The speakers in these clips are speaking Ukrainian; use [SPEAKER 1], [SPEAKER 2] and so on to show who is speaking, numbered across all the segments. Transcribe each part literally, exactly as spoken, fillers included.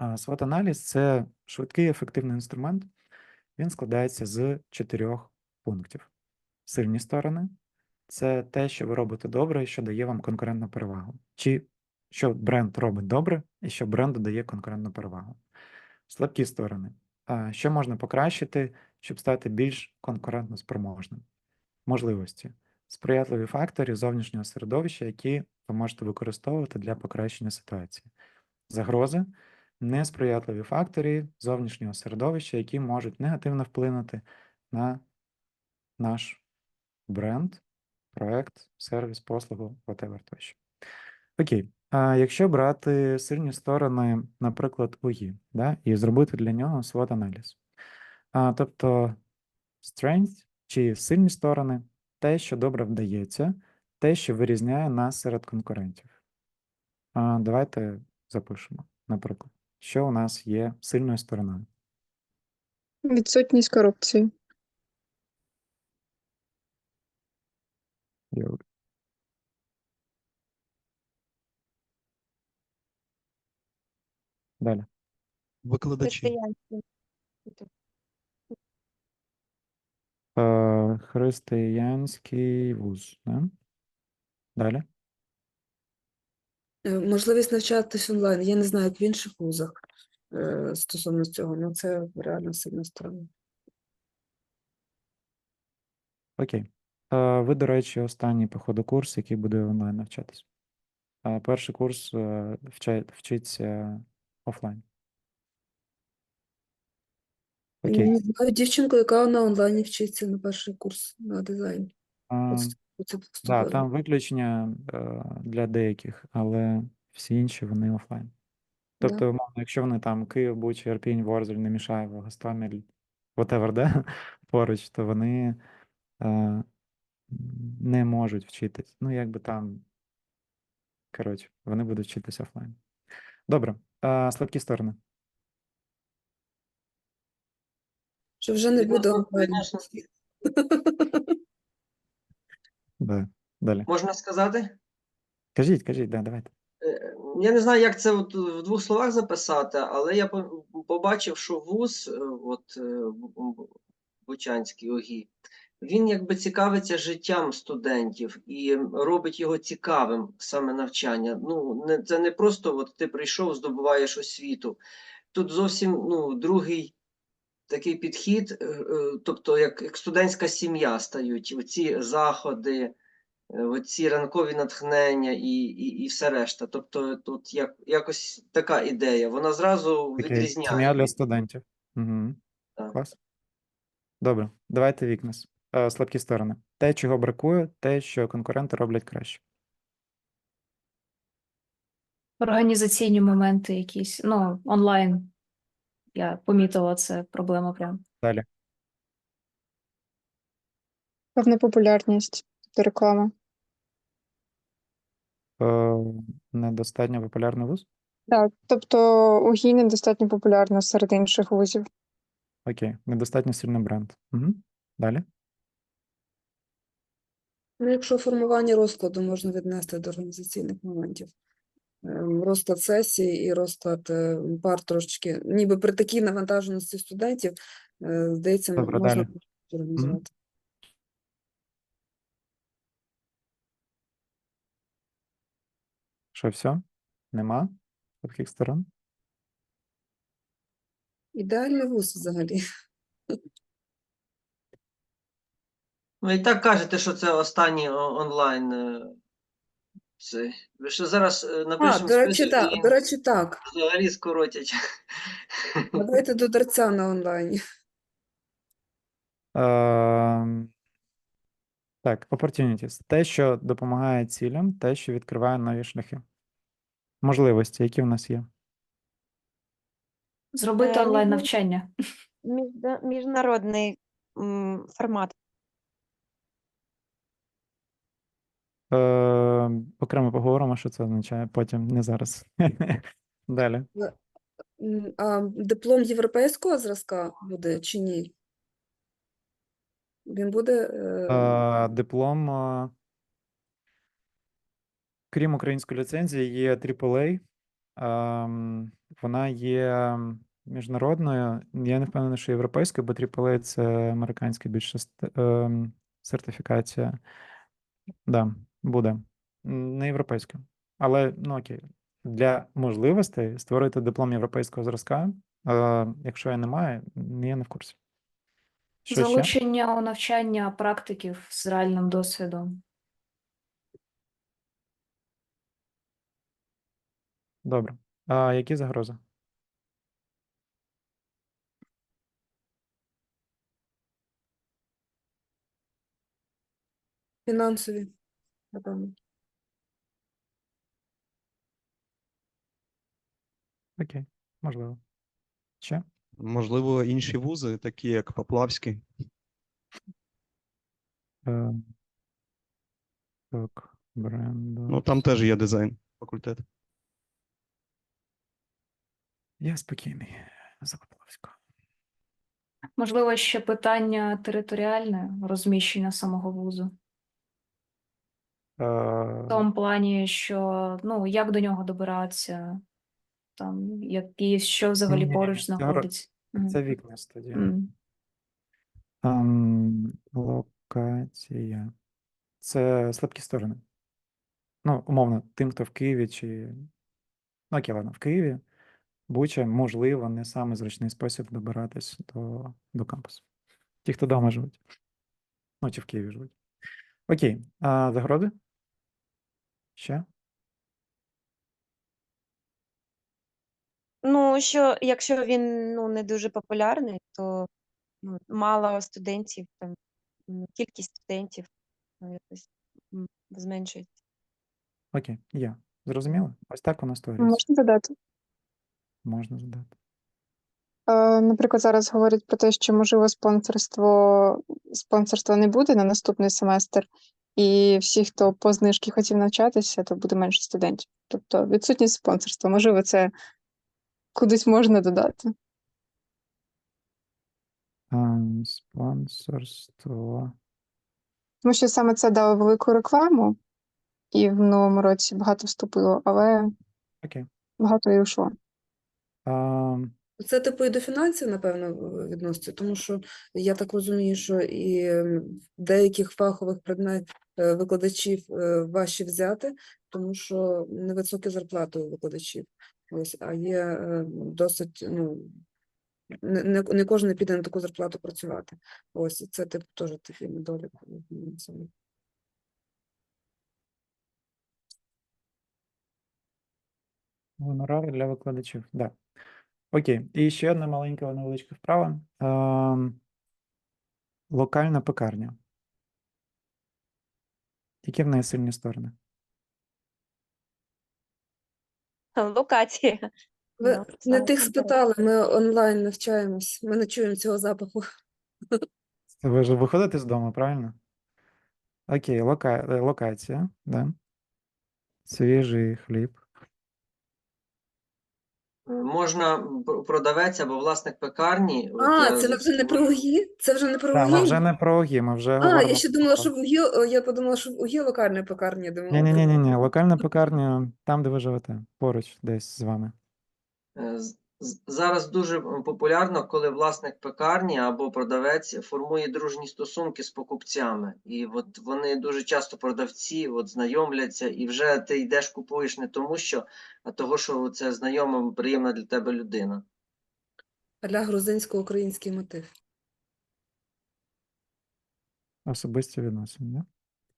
[SPEAKER 1] SWOT-аналіз – це швидкий, ефективний інструмент. Він складається з чотирьох пунктів. Сильні сторони – це те, що ви робите добре і що дає вам конкурентну перевагу. Чи що бренд робить добре і що бренду дає конкурентну перевагу. Слабкі сторони – що можна покращити, щоб стати більш конкурентно спроможним. Можливості – сприятливі фактори зовнішнього середовища, які ви можете використовувати для покращення ситуації. Загрози – несприятливі фактори зовнішнього середовища, які можуть негативно вплинути на наш бренд, проект, сервіс, послугу, whatever тощо. Окей. А якщо брати сильні сторони, наприклад, УГІ, да, і зробити для нього SWOT-аналіз. А, тобто strength чи сильні сторони – те, що добре вдається, те, що вирізняє нас серед конкурентів. А, давайте запишемо, наприклад, що у нас є сильною стороною.
[SPEAKER 2] Відсутність корупції.
[SPEAKER 1] Йо. Далі.
[SPEAKER 3] Викладачі.
[SPEAKER 4] Християнські.
[SPEAKER 1] Е, Християнський вуз. Да? Далі.
[SPEAKER 5] Е, Можливість навчатись онлайн. Я не знаю, як в інших вузах е, стосовно цього, але це реально сильна сторона.
[SPEAKER 1] Окей. Е, Ви, до речі, останній, походу, курс, який буде онлайн навчатись. А перший курс е, вча- вчиться офлайн.
[SPEAKER 5] Я
[SPEAKER 1] Окей.
[SPEAKER 5] не знаю дівчинку, яка на онлайні вчиться на перший курс на дизайн.
[SPEAKER 1] А,
[SPEAKER 5] От це
[SPEAKER 1] да,
[SPEAKER 5] вступила.
[SPEAKER 1] там виключення е, для деяких, але всі інші вони офлайн.
[SPEAKER 5] Да.
[SPEAKER 1] Тобто, умовно, якщо вони там Київ, Буча, Ірпінь, Ворзель, Немішаєво, Гостомель, whatever, да, поруч, то вони е, не можуть вчитись. Ну, якби там, коротше, вони будуть вчитись офлайн. Добре. Е, слабкі сторони.
[SPEAKER 5] Що вже не буде онлайн.
[SPEAKER 6] Конечно.
[SPEAKER 1] Да. Далі.
[SPEAKER 6] Можна сказати?
[SPEAKER 1] Кажіть, кажіть, да, давайте.
[SPEAKER 6] Е, Я не знаю, як це от в двох словах записати, але я по- побачив, що вуз, е, от е, Бу- Бу- Бучанський ОГІ, він якби цікавиться життям студентів і робить його цікавим, саме навчання. Ну, не, це не просто от ти прийшов, здобуваєш освіту. Тут зовсім ну, другий такий підхід, е, е, тобто як, як студентська сім'я стають, оці заходи, е, оці ранкові натхнення і, і, і все решта. Тобто тут як, якось така ідея, вона зразу
[SPEAKER 1] Окей.
[SPEAKER 6] відрізняє.
[SPEAKER 1] Сім'я для
[SPEAKER 6] від-
[SPEAKER 1] студентів. Угу.
[SPEAKER 6] Так.
[SPEAKER 1] Клас. Добре. Давайте вікнес. Е, слабкі сторони. Те, чого бракує, те, що конкуренти роблять краще.
[SPEAKER 4] Організаційні моменти якісь, ну, онлайн. Я помітила, це проблема прям.
[SPEAKER 1] Далі.
[SPEAKER 2] Певна популярність та реклама.
[SPEAKER 1] Е, недостатньо популярний вуз?
[SPEAKER 2] Так, тобто УГІ недостатньо популярна серед інших вузів.
[SPEAKER 1] Окей. Недостатньо сильний бренд. Угу. Далі.
[SPEAKER 5] Ну, якщо формування розкладу можна віднести до організаційних моментів. Ем, Розклад сесії і розклад е, пар трошечки, ніби при такій навантаженості студентів, е, здається,
[SPEAKER 1] Добре,
[SPEAKER 5] можна
[SPEAKER 1] далі.
[SPEAKER 5] організувати.
[SPEAKER 1] Що, все? Нема слабких сторон?
[SPEAKER 5] Ідеальний вуз взагалі.
[SPEAKER 6] Ви і так кажете, що це останній о- онлайн. е, Це. Ви що зараз е,
[SPEAKER 5] А,
[SPEAKER 6] напишемо
[SPEAKER 5] до речі,
[SPEAKER 6] список
[SPEAKER 5] так,
[SPEAKER 6] і
[SPEAKER 5] до речі, так.
[SPEAKER 6] взагалі скоротять.
[SPEAKER 5] Давайте до дарця на онлайні.
[SPEAKER 1] Ем, Так, opportunities. Те, що допомагає цілям, те, що відкриває нові шляхи. Можливості, які в нас є.
[SPEAKER 4] Зробити
[SPEAKER 7] Е,
[SPEAKER 4] онлайн
[SPEAKER 7] між-
[SPEAKER 4] навчання.
[SPEAKER 7] Міжна- Міжнародний м, формат.
[SPEAKER 1] Ем, окремо поговоримо, що це означає, потім, не зараз. Далі.
[SPEAKER 5] М, А диплом європейського зразка буде чи ні? Він буде. е,
[SPEAKER 1] Е, Диплом, е, крім української ліцензії, є трипл ей. Ем, вона є міжнародною. Я не впевнений, що європейською, бо трипл ей – це американська більше ст- ем, сертифікація. Да, буде. М, Не європейською. Але, ну окей. Для можливостей створити диплом європейського зразка. Е, якщо я не маю, я не в курсі. Що ще?
[SPEAKER 4] Залучення у навчання практиків з реальним досвідом.
[SPEAKER 1] Добре. А які загрози?
[SPEAKER 5] Фінансові, напевно.
[SPEAKER 1] Окей, можливо. Ще?
[SPEAKER 3] Можливо, інші вузи, такі як Поплавський.
[SPEAKER 1] Е, так, бренду.
[SPEAKER 3] Ну, там теж є дизайн факультет.
[SPEAKER 1] Я спокійний. За Поплавського.
[SPEAKER 4] Можливо, ще питання територіальне розміщення самого вузу.
[SPEAKER 1] Е,
[SPEAKER 4] В тому плані, що ну як до нього добиратися, там які що взагалі
[SPEAKER 1] Ні-ні-ні,
[SPEAKER 4] поруч
[SPEAKER 1] це гро-
[SPEAKER 4] знаходиться. Мгм.
[SPEAKER 1] Це вікна студія.
[SPEAKER 4] М.
[SPEAKER 1] Ем, локація. Це слабкі сторони. Ну, умовно, тим, хто в Києві чи. Ну, окей, ладно, в Києві, Буча, можливо, не самий зручний спосіб добиратись до, до кампусу. Ті, хто вдома живуть. Ну, чи в Києві живуть. Окей. А загрози? Ще?
[SPEAKER 7] Ну, що якщо він ну, не дуже популярний, то ну, мало студентів, там, м, кількість студентів ну, якось м, зменшується.
[SPEAKER 1] Окей, є. Зрозуміло? Ось так воно створюється.
[SPEAKER 2] Можна додати?
[SPEAKER 1] Можна задати.
[SPEAKER 2] Е, Наприклад, зараз говорять про те, що можливо спонсорство спонсорства не буде на наступний семестр, і всі, хто по знижці хотів навчатися, то буде менше студентів. Тобто відсутність спонсорства, можливо, це кудись можна додати.
[SPEAKER 1] Ем, спонсорство.
[SPEAKER 2] Тому що саме це дало велику рекламу, і в новому році багато вступило, але
[SPEAKER 1] Окей.
[SPEAKER 2] багато і йшло.
[SPEAKER 1] Ем,
[SPEAKER 5] Це типу і до фінансів, напевно, в- відноситься, тому що я так розумію, що і м, деяких фахових предмет е, викладачів е, важче взяти, тому що невисокі зарплати у викладачів. Ось, а є е, досить, ну, не, не, не кожен піде на таку зарплату працювати. Ось, і це типу теж такий недолік. м, цього.
[SPEAKER 1] Гонорари для викладачів. Да. Окей. І ще одна маленька невеличка вправа. Ем, локальна пекарня. Які в неї сильні сторони?
[SPEAKER 7] Локація.
[SPEAKER 5] Ви
[SPEAKER 7] Ну,
[SPEAKER 5] не
[SPEAKER 7] саме
[SPEAKER 5] тих
[SPEAKER 7] конкретно.
[SPEAKER 5] спитали, ми онлайн навчаємось, ми не чуємо цього запаху.
[SPEAKER 1] Це ви ж виходите з дому, правильно? Окей, лока... е, локація, да. Свіжий хліб.
[SPEAKER 6] Е, Можна пр- продавець або власник пекарні. От
[SPEAKER 5] А,
[SPEAKER 6] я
[SPEAKER 5] це
[SPEAKER 6] з-
[SPEAKER 5] вже не про УГІ? Це вже не про
[SPEAKER 1] Так, ми
[SPEAKER 5] УГІ?
[SPEAKER 1] вже не про ОГІ, ми вже
[SPEAKER 5] А,
[SPEAKER 1] говоримо.
[SPEAKER 5] я ще думала,
[SPEAKER 1] про-
[SPEAKER 5] що в УГІ, о, я подумала, що в УГІ локальна пекарня. Я думала,
[SPEAKER 1] Ні, ні, ні, ні, локальна пекарня там, де ви живете, поруч десь з вами.
[SPEAKER 6] е, з- з- зараз дуже м, популярно, коли власник пекарні або продавець формує дружні стосунки з покупцями. І от вони дуже часто продавці от знайомляться, і вже ти йдеш, купуєш не тому, що, а того, що це знайома, приємна для тебе людина.
[SPEAKER 5] Аля грузинсько-український мотив.
[SPEAKER 1] Особисті відносини, да?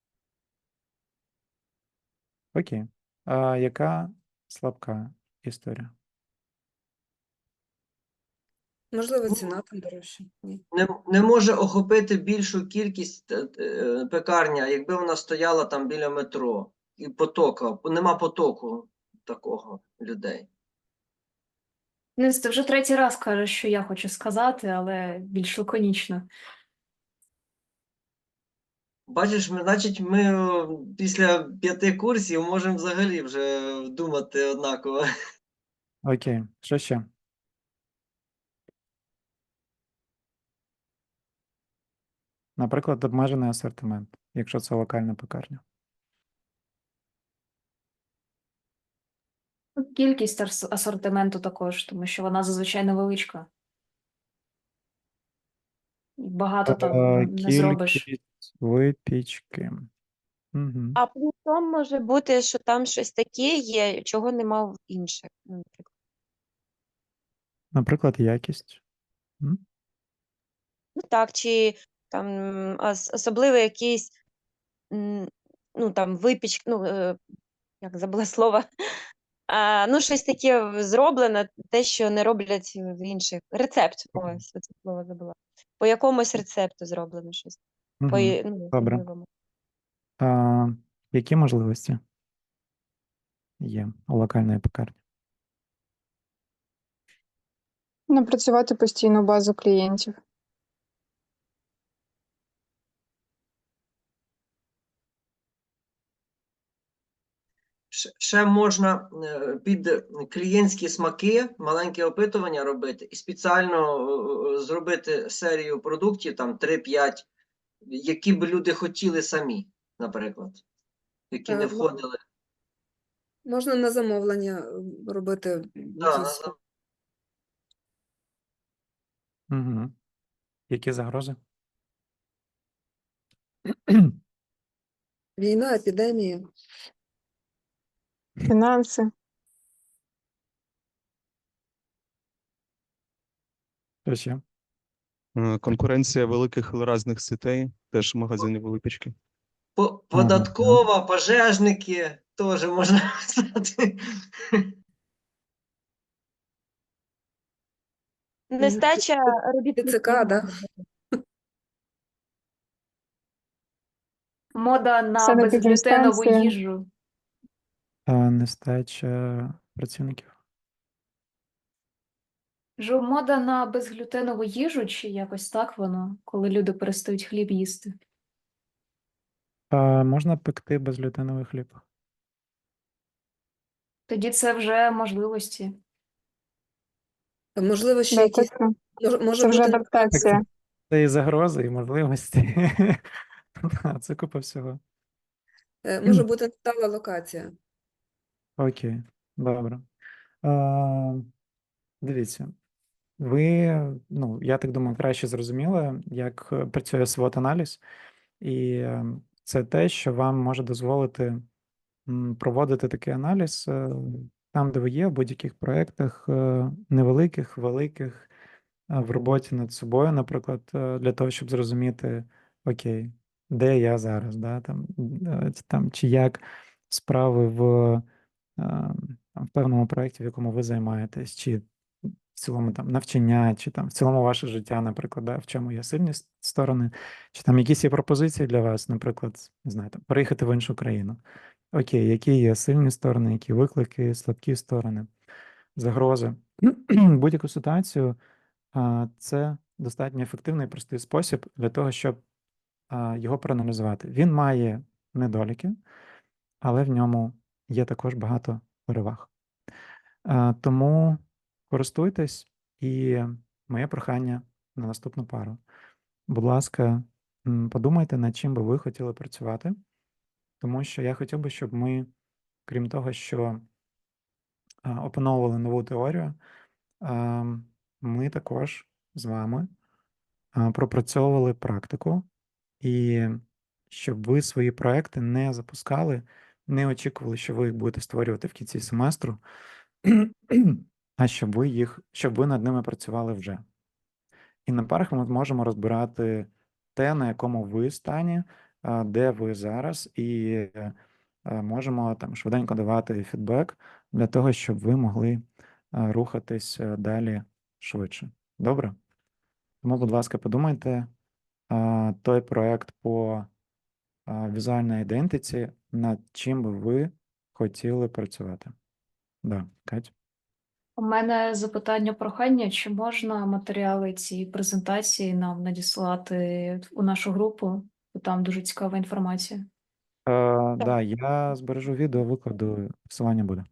[SPEAKER 1] Окей. А яка слабка історія?
[SPEAKER 5] Можливо, ціна там дорожча. Ні.
[SPEAKER 6] Не, не може охопити більшу кількість е, е, пекарня, якби вона стояла там біля метро. І потока, нема потоку такого людей.
[SPEAKER 4] Денис, ти вже третій раз кажеш, що я хочу сказати, але більш лаконічно.
[SPEAKER 6] Бачиш, ми, значить, ми о, після п'яти курсів можемо взагалі вже думати однаково.
[SPEAKER 1] Окей, що ще? Наприклад, обмежений асортимент, якщо це локальна пекарня.
[SPEAKER 4] кількість арс- асортименту також, тому що вона зазвичай невеличка. І багато там
[SPEAKER 1] Е,
[SPEAKER 4] не зробиш.
[SPEAKER 1] Кількість випічки. Угу.
[SPEAKER 7] А плюсом може бути, що там щось таке є, чого нема в інших. Ну, наприклад.
[SPEAKER 1] Наприклад, якість. М?
[SPEAKER 7] Ну так, чи там ос- особливо якийсь, м, ну там випічка, ну е, як забула слово. А, ну, щось таке зроблено, те, що не роблять в інших. Рецепт. Ось це слово забула. По якомусь рецепту зроблено щось. По,
[SPEAKER 1] Угу.
[SPEAKER 7] і- ну,
[SPEAKER 1] Добре.
[SPEAKER 7] особливому.
[SPEAKER 1] А, які можливості є у локальної пекарні?
[SPEAKER 2] Напрацювати постійну базу клієнтів.
[SPEAKER 6] Ш- Ще можна е, під клієнтські смаки маленьке опитування робити і спеціально е, е, зробити серію продуктів, там три-п'ять, які б люди хотіли самі, наприклад, які не
[SPEAKER 5] Е,
[SPEAKER 6] входили.
[SPEAKER 5] Можна на замовлення е, робити
[SPEAKER 6] Да, на
[SPEAKER 5] якісь
[SPEAKER 6] зам-
[SPEAKER 1] Угу. Які загрози?
[SPEAKER 5] війна, епідемії.
[SPEAKER 2] Фінанси.
[SPEAKER 1] Що ще?
[SPEAKER 3] Е, Конкуренція великих різних сітей, теж магазинів випічки.
[SPEAKER 6] По- Податкова, пожежники, теж можна сказати.
[SPEAKER 7] Нестача робітників.
[SPEAKER 5] ТЦК, да?
[SPEAKER 4] Мода на
[SPEAKER 2] Санепідемстанція.
[SPEAKER 4] безглютенову їжу.
[SPEAKER 1] А, нестача працівників.
[SPEAKER 4] Жу, мода на безглютенову їжу, чи якось так воно, коли люди перестають хліб їсти.
[SPEAKER 1] А, можна пекти безглютеновий хліб.
[SPEAKER 4] Тоді це вже можливості.
[SPEAKER 5] Та, можливо, ще
[SPEAKER 2] Да,
[SPEAKER 5] якісь
[SPEAKER 2] точно.
[SPEAKER 5] може, може
[SPEAKER 2] Це вже
[SPEAKER 5] бути
[SPEAKER 2] адаптація.
[SPEAKER 1] Це і загрози, і можливості. Да, це купа всього.
[SPEAKER 5] е, може бути стала локація.
[SPEAKER 1] Окей, добре. А, дивіться, ви, ну, я так думаю, краще зрозуміли, як е, працює свот-аналіз, і е, це те, що вам може дозволити м, проводити такий аналіз е, там, де ви є, в будь-яких проєктах, е, невеликих, великих, е, в роботі над собою, наприклад, е, для того, щоб зрозуміти, окей, де я зараз, да, там, е, там, чи як справи в, е, там, в певному проєкті, в якому ви займаєтесь, чи в цілому там навчання, чи там в цілому ваше життя, наприклад, да, в чому є сильні с- сторони, чи там якісь є пропозиції для вас, наприклад, не знаю, там, переїхати в іншу країну. Окей, які є сильні сторони, які виклики, слабкі сторони, загрози. Будь-яку ситуацію а, це достатньо ефективний і простий спосіб для того, щоб а, його проаналізувати. Він має недоліки, але в ньому є також багато переваг. А, Тому користуйтесь, і моє прохання на наступну пару. Будь ласка, м, подумайте, над чим би ви хотіли працювати, тому що я хотів би, щоб ми, крім того, що а, опановували нову теорію, а, ми також з вами а, пропрацьовували практику, і щоб ви свої проекти не запускали, не очікували, що ви їх будете створювати в кінці семестру, а щоб ви їх, щоб ви над ними працювали вже. І на парах ми зможемо розбирати те, на якому ви стані, а, де ви зараз, і е, е, можемо там швиденько давати фідбек для того, щоб ви могли е, рухатись е, далі швидше. Добре? Тому, будь ласка, подумайте, а, той проект по а, візуальній ідентиці, над чим би ви хотіли працювати. Да, Кать?
[SPEAKER 4] У мене запитання, прохання, чи можна матеріали цієї презентації нам надіслати у нашу групу, бо там дуже цікава інформація.
[SPEAKER 1] Е, да, я збережу відео, викладу, посилання буде.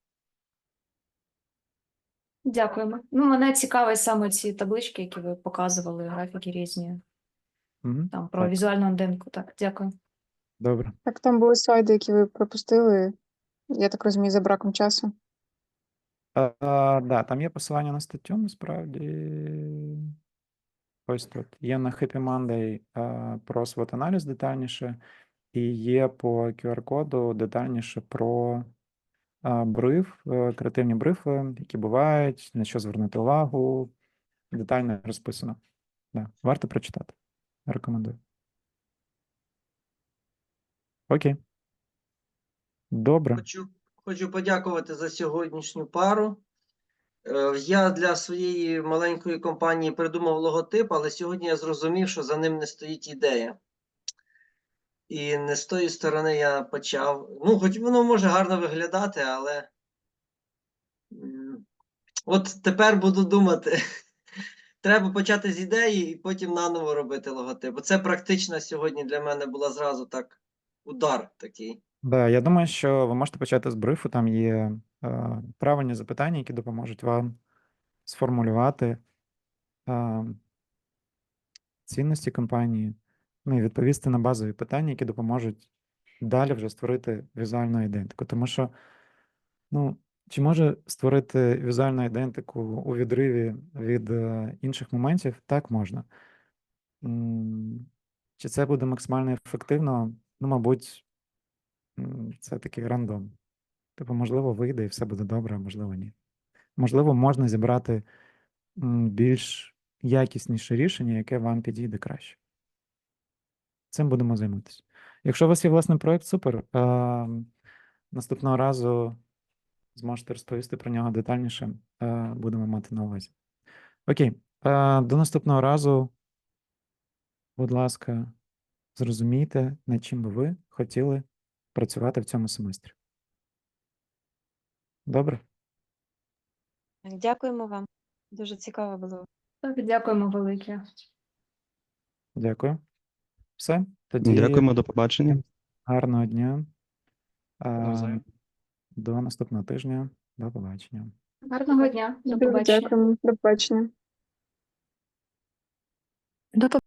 [SPEAKER 4] Дякуємо. Ну, мене цікавить саме ці таблички, які ви показували, графіки різні,
[SPEAKER 1] Мгм.
[SPEAKER 4] там про
[SPEAKER 1] Так,
[SPEAKER 4] візуальну ідентику. Так, дякую.
[SPEAKER 1] добре.
[SPEAKER 2] Так, там були слайди, які ви пропустили, я так розумію, за браком часу.
[SPEAKER 1] А, а, да, там є посилання на статтю, насправді. Ось тут. Є на Happy Monday а, про свот-аналіз детальніше, і є по кю ар-коду детальніше про а, бриф, е, креативні брифи, які бувають, на що звернути увагу. Детально розписано. Да, варто прочитати. Рекомендую. Окей. Добре.
[SPEAKER 6] Хочу, хочу подякувати за сьогоднішню пару. Е, Я для своєї маленької компанії придумав логотип, але сьогодні я зрозумів, що за ним не стоїть ідея. І не з тої сторони я почав. Ну, хоч воно може гарно виглядати, але м, от тепер буду думати. Треба почати з ідеї і потім наново робити логотип. Це практично сьогодні для мене була зразу так удар такий.
[SPEAKER 1] Да, я думаю, що ви можете почати з брифу. Там є е, правильні запитання, які допоможуть вам сформулювати е, цінності компанії, ну і відповісти на базові питання, які допоможуть далі вже створити візуальну ідентику. Тому що, ну, чи може створити візуальну ідентику у відриві від е, інших моментів? Так, можна. М, Чи це буде максимально ефективно? Ну, мабуть, м, це такий рандом. Типу, можливо, вийде і все буде добре, а можливо, ні. Можливо, можна зібрати м, більш якісніше рішення, яке вам підійде краще. Цим будемо займатися. Якщо у вас є власний проєкт, супер. А, наступного разу зможете розповісти про нього детальніше. А, будемо мати на увазі. Окей. А, до наступного разу, будь ласка, зрозумійте, над чим би ви хотіли працювати в цьому семестрі. Добре?
[SPEAKER 7] Дякуємо вам. Дуже цікаво було.
[SPEAKER 4] Так, дякуємо велике.
[SPEAKER 1] Дякую. Все. Тоді
[SPEAKER 3] Дякуємо, до побачення.
[SPEAKER 1] гарного дня. А,
[SPEAKER 3] Навзаєм.
[SPEAKER 1] до наступного тижня. До побачення.
[SPEAKER 4] Гарного дня. До
[SPEAKER 2] Дуже
[SPEAKER 4] побачення.
[SPEAKER 2] дякуємо. До побачення.
[SPEAKER 4] До